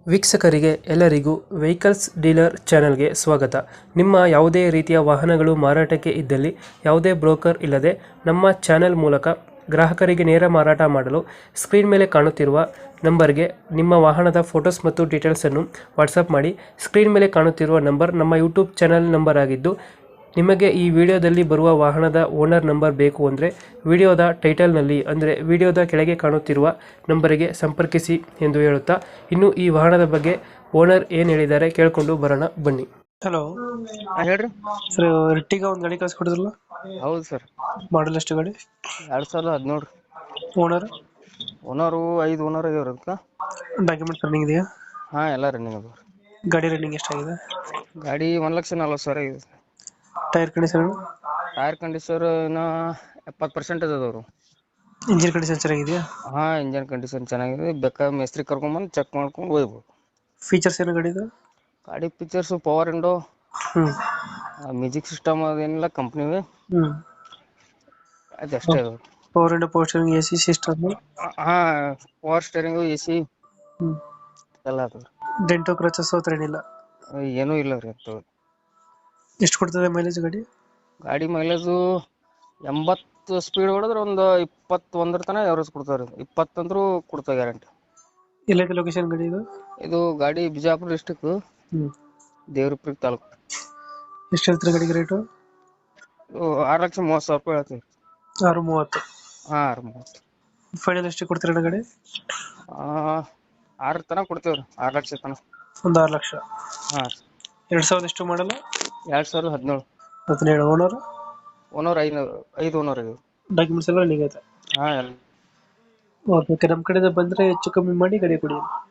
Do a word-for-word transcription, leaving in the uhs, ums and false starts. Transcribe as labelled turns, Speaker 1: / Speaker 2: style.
Speaker 1: ವೀಕ್ಷಕರಿಗೆ ಎಲ್ಲರಿಗೂ vehicles dealer ಚಾನೆಲ್ಗೆ ಸ್ವಾಗತ. ನಿಮ್ಮ ಯಾವುದೇ ರೀತಿಯ ವಾಹನಗಳು ಮಾರಾಟಕ್ಕೆ ಇದ್ದಲ್ಲಿ ಯಾವುದೇ ಬ್ರೋಕರ್ ಇಲ್ಲದೆ ನಮ್ಮ ಚಾನೆಲ್ ಮೂಲಕ ಗ್ರಾಹಕರಿಗೆ ನೇರ ಮಾರಾಟ ಮಾಡಲು ಸ್ಕ್ರೀನ್ ಮೇಲೆ ಕಾಣುತ್ತಿರುವ ನಂಬರ್ಗೆ ನಿಮ್ಮ ವಾಹನದ ಫೋಟೋಸ್ ಮತ್ತು ಡೀಟೇಲ್ಸನ್ನು ವಾಟ್ಸಪ್ ಮಾಡಿ. ಸ್ಕ್ರೀನ್ ಮೇಲೆ ಕಾಣುತ್ತಿರುವ ನಂಬರ್ ನಮ್ಮ ಯೂಟ್ಯೂಬ್ ಚಾನೆಲ್ ನಂಬರ್ ಆಗಿದ್ದು, ನಿಮಗೆ ಈ ವಿಡಿಯೋದಲ್ಲಿ ಬರುವ ವಾಹನದ ಓನರ್ ನಂಬರ್ ಬೇಕು ಅಂದರೆ ವಿಡಿಯೋದ ಟೈಟಲ್ನಲ್ಲಿ ಅಂದರೆ ವಿಡಿಯೋದ ಕೆಳಗೆ ಕಾಣುತ್ತಿರುವ ನಂಬರಿಗೆ ಸಂಪರ್ಕಿಸಿ ಎಂದು ಹೇಳುತ್ತಾ, ಇನ್ನು ಈ ವಾಹನದ ಬಗ್ಗೆ ಓನರ್ ಏನು ಹೇಳಿದ್ದಾರೆ ಕೇಳಿಕೊಂಡು ಬರೋಣ ಬನ್ನಿ. ಹಲೋ
Speaker 2: ಹಾ ಹೇಳ್ರಿ.
Speaker 1: ಸರ್, ಎರ್ಟಿಗ ಒಂದು ಗಾಡಿ ಕಳಿಸ್ಕೊಡಿದ್ರಲ್ಲ,
Speaker 2: ಹೌದು ಸರ್.
Speaker 1: ಮಾಡಲ್ ಎಷ್ಟು ಗಾಡಿ?
Speaker 2: ಎರಡ್ ಸಾವಿರದ ಹದಿನೇಳು.
Speaker 1: ಓನರ್
Speaker 2: ಓನರು ಐದು ಓನರ್ ಆಗ್ಯಾವ್ರಿ ಅದಕ್ಕೆ.
Speaker 1: ಡಾಕ್ಯುಮೆಂಟ್ಸ್ ರನ್ನಿಂಗ್ ಇದೆಯಾ?
Speaker 2: ಹಾ ಎಲ್ಲ ರನ್ನಿಂಗ್ ಅದಾವ.
Speaker 1: ಗಾಡಿ ರನ್ನಿಂಗ್ ಎಷ್ಟಾಗಿದೆ?
Speaker 2: ಗಾಡಿ ಒಂದ್ ಲಕ್ಷ ನಲ್ವತ್ತು ಸಾವಿರ ಆಗಿದೆ.
Speaker 1: Tyre condition?
Speaker 2: ಟೈರ್ ಕಂಡೀಷನ್ ಇನ್ನ ಎಪ್ಪತ್ತು ಪರ್ಸೆಂಟೇಜ್ ಅದಾವ್ರು.
Speaker 1: ಇಂಜಿನ್ ಕಂಡೀಷನ್ ಚೆನ್ನಾಗಿದೆಯಾ?
Speaker 2: ಹಾ ಇಂಜನ್ ಕಂಡೀಷನ್ ಚೆನ್ನಾಗಿದೆ. ಬೇಕಾದ್ರೆ ಮೇಸ್ತ್ರಿ ಕರ್ಕೊಂಡ್ಬಂದು ಚೆಕ್ ಮಾಡ್ಕೊಂಡು ಹೋಗ್ಬೋದು.
Speaker 1: ಫೀಚರ್ಸ್ ಏನು ಗಾಡಿದು?
Speaker 2: ಗಾಡಿ ಫೀಚರ್ಸ್ ಪವರ್ ವಿಂಡೋ,
Speaker 1: ಹ್ಮ್
Speaker 2: ಮ್ಯೂಸಿಕ್ ಸಿಸ್ಟಮ್ ಅದೇನಿಲ್ಲ ಕಂಪ್ನಿವೆ,
Speaker 1: ಹ್ಮ್
Speaker 2: ಅದಷ್ಟೇ ಅದಾವ.
Speaker 1: Power window, power steering, A C system?
Speaker 2: ಹಾ ಪವರ್ ಸ್ಟೇರಿಂಗು, ಎ ಸಿ
Speaker 1: ಹ್ಮ್
Speaker 2: ಎಲ್ಲ ಅದಾವ.
Speaker 1: ಡೆಂಟೋ ಕ್ರಚಸ್ ಹತ್ರ ಏನಿಲ್ಲ?
Speaker 2: ಏನೂ ಇಲ್ಲ ರೀ ಅಂತ.
Speaker 1: ಎಷ್ಟು ಕೊಡ್ತದೆ ಮೈಲೇಜ್ ಗಾಡಿ?
Speaker 2: ಗಾಡಿ ಮೈಲೇಜು ಎಂಬತ್ತು ಸ್ಪೀಡ್ ಹೊಡೆದ್ರೆ ಒಂದು ಇಪ್ಪತ್ತೊಂದರ ತನಕ ಎವರೇಜ್ ಕೊಡ್ತಾವ್ರಿ. ಇಪ್ಪತ್ತಂದ್ರೂ ಕೊಡ್ತಾವ ಗ್ಯಾರಂಟಿ.
Speaker 1: ಎಲ್ಲೈತೆ ಲೊಕೇಶನ್ ಗಾಡಿ ಇದು?
Speaker 2: ಇದು ಗಾಡಿ ಬಿಜಾಪುರ ಡಿಸ್ಟಿಕ್,
Speaker 1: ಹ್ಮ್
Speaker 2: ದೇವ್ರಪುರ ತಾಲೂಕು.
Speaker 1: ಎಷ್ಟು ಹೇಳ್ತೀರಾ ಗಾಡಿಗೆ ರೇಟು?
Speaker 2: ಇದು ಆರು ಲಕ್ಷ ಮೂವತ್ತು ಸಾವಿರ ರೂಪಾಯಿ ಹೇಳ್ತೀವಿ.
Speaker 1: ಆರು ಮೂವತ್ತು?
Speaker 2: ಹಾ ಆರು ಮೂವತ್ತು.
Speaker 1: ಫೈನಲ್ ಎಷ್ಟು ಕೊಡ್ತೀರಾ ಗಾಡಿ?
Speaker 2: ಆ ಆರ ತನಕ ಕೊಡ್ತೇವ್ರಿ, ಆರು ಲಕ್ಷ ತನಕ.
Speaker 1: ಒಂದು ಆರು ಲಕ್ಷ?
Speaker 2: ಹಾ
Speaker 1: ಎರಡ್ ಸಾವಿರದ ಎಷ್ಟು ಮಾಡಲ್ಲ?
Speaker 2: ಎರಡ್ ಸಾವಿರದ ಹದಿನೇಳು.
Speaker 1: ಹದಿನೇಳು. ಓನರ್?
Speaker 2: ಓನರ್ ಐದು ಐದು ಓನರ್ ಆಗಿವೆ.
Speaker 1: ಡಾಕ್ಯುಮೆಂಟ್ಸ್ ಎಲ್ಲ ರನ್ನಿಂಗ್ ಐತೆ?
Speaker 2: ಹಾ ಎಲ್ಲ
Speaker 1: ಓಕೆ, ನಮ್ಮ ಕಡೆಯಿಂದ ಬಂದರೆ ಹೆಚ್ಚು ಕಮ್ಮಿ ಮಾಡಿ ಗಾಡಿ ಕೊಡಿ.